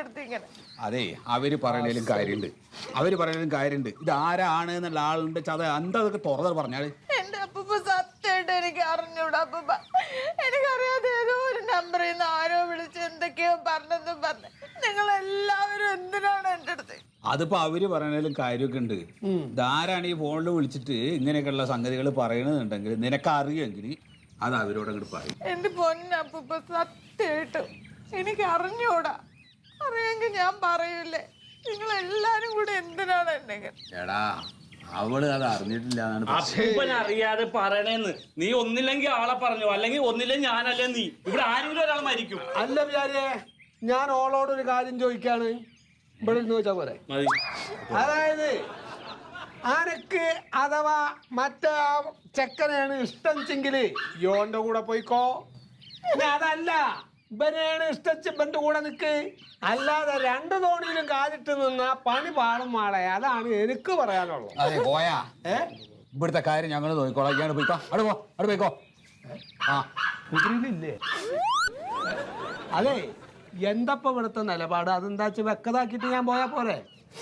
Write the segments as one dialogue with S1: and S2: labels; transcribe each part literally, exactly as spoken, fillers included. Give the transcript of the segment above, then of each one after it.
S1: എന്റെ അടുത്ത് ഇങ്ങനെ?
S2: അതെ, അവര് പറയണേലും കാര്യമുണ്ട്, അവര് പറയണേലും കാര്യമുണ്ട്. ഇത് ആരാണ് എന്നുള്ള ആളുണ്ട് ചത എന്താ അതൊക്കെ തുറന്നു പറഞ്ഞാല്.
S1: എന്റെ അപ്പൂപ്പ സത്യമായിട്ട് എനിക്ക് അറിഞ്ഞൂടാ അപ്പൂപ്പ. എനിക്കറിയാതെ ഏതോ ഒരു നമ്പറിൽ നിന്ന് ആരോ വിളിച്ച് എന്തൊക്കെയോ പറഞ്ഞെന്നും പറഞ്ഞ് നിങ്ങൾ എല്ലാവരും എന്തിനാണ് എന്റെ അടുത്ത്?
S2: അതിപ്പോ അവര് പറയണേലും കാര്യമൊക്കെ ഉണ്ട്. ഇതാരാണ് ഈ ഫോണിൽ വിളിച്ചിട്ട് ഇങ്ങനെയൊക്കെയുള്ള സംഗതികൾ പറയണമെന്നുണ്ടെങ്കിൽ നിനക്ക് അറിയുമെങ്കിൽ അത് അവരോട് അങ്ങോട്ട് പറയും.
S1: എന്റെ പൊന്നപ്പൂപ്പ സത്യമായിട്ടും എനിക്ക് അറിഞ്ഞൂടാ. അറിയെങ്കിൽ ഞാൻ പറയൂലേ. നിങ്ങൾ എല്ലാരും കൂടെ എന്തിനാണ് എന്നെ?
S2: എടാ അവള് അത് അറിഞ്ഞിട്ടില്ല.
S3: അപ്പൂപ്പൻ അറിയാതെ പറയണേന്ന്. നീ ഒന്നില്ലെങ്കിൽ ആളെ പറഞ്ഞു, അല്ലെങ്കിൽ ഒന്നില്ലെങ്കിൽ ഞാനല്ലേ നീ. ഇവിടെ ആരെങ്കിലും ഒരാൾ മരിക്കും.
S4: അല്ല വിചാരിയെ, ഞാൻ ഓളോട് ഒരു കാര്യം ചോദിക്കാണ്. ഇവിടെ ഇരുന്ന് ചോദിച്ചാ പോരെ? അതായത് ആനക്ക് അഥവാ മറ്റേ ചെക്കനെയാണ് ഇഷ്ടം ചെങ്കില് യോന്റെ കൂടെ പോയിക്കോ. അതല്ല ഇവനെയാണ് ഇഷ്ടച്ച് ഇവന്റെ കൂടെ നിക്ക്. അല്ലാതെ രണ്ടു തോണിയിലും കാലിട്ട് നിന്ന പണി പാടും മാളെ. അതാണ് എനിക്ക് പറയാനുള്ളത്.
S2: അതെ പോയാ ഏ ഇവിടുത്തെ കാര്യം ഞങ്ങൾ നോക്കിക്കോളാം. ഇയാൾ പോയിക്കോ, അവിടെ പോ, അവിടെ പോയിക്കോ. ആ
S4: കുതിരിയില്ലേ? അതെ, എന്തപ്പ ഇവിടുത്തെ നിലപാട്? അതെന്താ വെച്ച് വെക്കതാക്കിട്ട് ഞാൻ പോയാ പോരെ?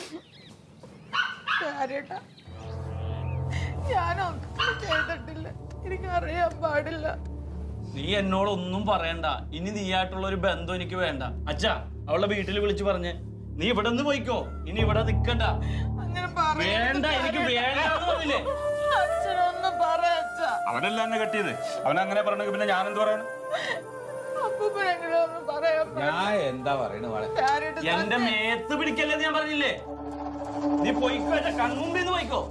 S1: ഞാനൊന്നും ചെയ്തിട്ടില്ല, എനിക്കറിയാൻ പാടില്ല.
S3: നീ എന്നോട് ഒന്നും പറയണ്ട. ഇനി നീയായിട്ടുള്ള ഒരു ബന്ധം എനിക്ക് വേണ്ട. അച്ഛാ, അവളുടെ വീട്ടിൽ വിളിച്ചു പറഞ്ഞ് നീ ഇവിടെ നിന്ന് പോയിക്കോ, ഇനി ഇവിടെ നിക്കണ്ട.
S1: അങ്ങനെ
S3: വേണ്ട, എനിക്ക് വേണ്ടില്ലേ?
S1: അച്ഛനൊന്നും പറയച്ച.
S3: അവനല്ല എന്നെ കെട്ടിയത്. അവനങ്ങനെ പറഞ്ഞെങ്കിൽ പിന്നെ ഞാൻ എന്ത് പറയണം?
S1: അപ്പൂപ്പനെങ്കിലും പറയാൻ
S2: ഞാൻ എന്താ പറയണത് മോളെ?
S3: എന്റെ മേത്ത് പിടിക്കല്ലെന്ന് ഞാൻ പറഞ്ഞില്ലേ? നീ പോയിക്കോ, എന്റെ കൺമുമ്പിന്ന് പോയിക്കോ.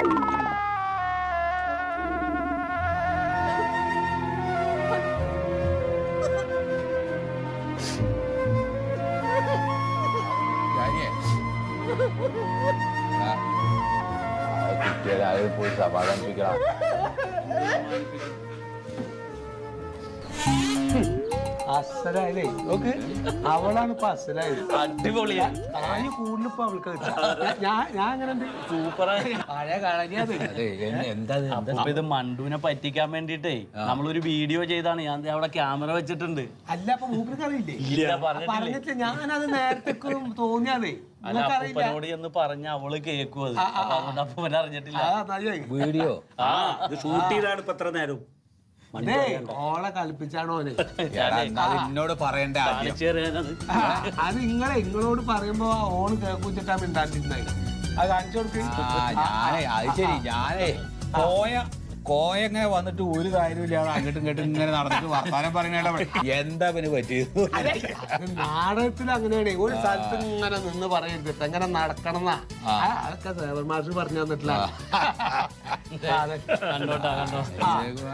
S2: പോയി സമാധാനിപ്പിക്കണം.
S4: അസലായതേ നോക്ക്, അവളാണ് ഇപ്പൊ അസലായത്.
S3: അടിപൊളിയാ.
S4: കാര്യം കൂടുതലിപ്പോ അവൾക്ക് ഞാൻ ഞാൻ അങ്ങനെ
S3: സൂപ്പറായി.
S4: പഴയ കളരിയാത്.
S2: എന്താ
S3: അപ്പൊ ഇത് മണ്ടുവിനെ പറ്റിക്കാൻ വേണ്ടിട്ടേ നമ്മളൊരു വീഡിയോ ചെയ്താണ്. ഞാൻ ദേ അവിടെ ക്യാമറ വെച്ചിട്ടുണ്ട്.
S4: അല്ല അപ്പൊ മൂപ്പർക്ക് അറിയില്ലേ?
S3: ഇല്ല, പറഞ്ഞിട്ടില്ലേ.
S4: പറഞ്ഞിട്ട് ഞാനത് നേരത്തേക്ക് തോന്നിയാതേ.
S3: അല്ല, അപ്പൂപ്പനോട് എന്ന് പറഞ്ഞ അവള് കേക്കും. അത് അപ്പൊ അതുകൊണ്ട് അപ്പൂപ്പൻ അറിഞ്ഞിട്ടില്ല.
S2: വീഡിയോ
S3: ആ ഇത് ഷൂട്ട് ചെയ്താണ് ഇപ്പൊ എത്ര നേരം.
S4: ഓളെ കളിപ്പിച്ചാണോ?
S2: എന്നോട് പറയണ്ട ആദ്യം.
S4: അത് നിങ്ങളെ നിങ്ങളോട് പറയുമ്പോ ഓണ് കേൾക്കുച്ചിട്ടാ മിണ്ടാണ്ടിരുന്നായി. അത് കാണിച്ചു കൊടുക്ക്.
S2: ഞാനേ അത് ശരി, ഞാനേ കോയ കോയ ഇങ്ങനെ വന്നിട്ട് ഒരു കാര്യമില്ലാതെ അങ്ങോട്ടും ഇങ്ങോട്ടും ഇങ്ങനെ നടന്നിട്ട് വർത്താനം പറയുന്ന എന്താ പിന്നെ പറ്റിയത്?
S4: നാടകത്തിൽ അങ്ങനെയാണ്. ഒരു സ്ഥലത്ത് ഇങ്ങനെ നിന്ന് പറയരുത്, എങ്ങനെ നടക്കണം എന്നാ. അതൊക്കെ സേവൻ മാഷ് പറഞ്ഞു തന്നിട്ടില്ല.
S3: കണ്ടോട്ടാ കണ്ടോ.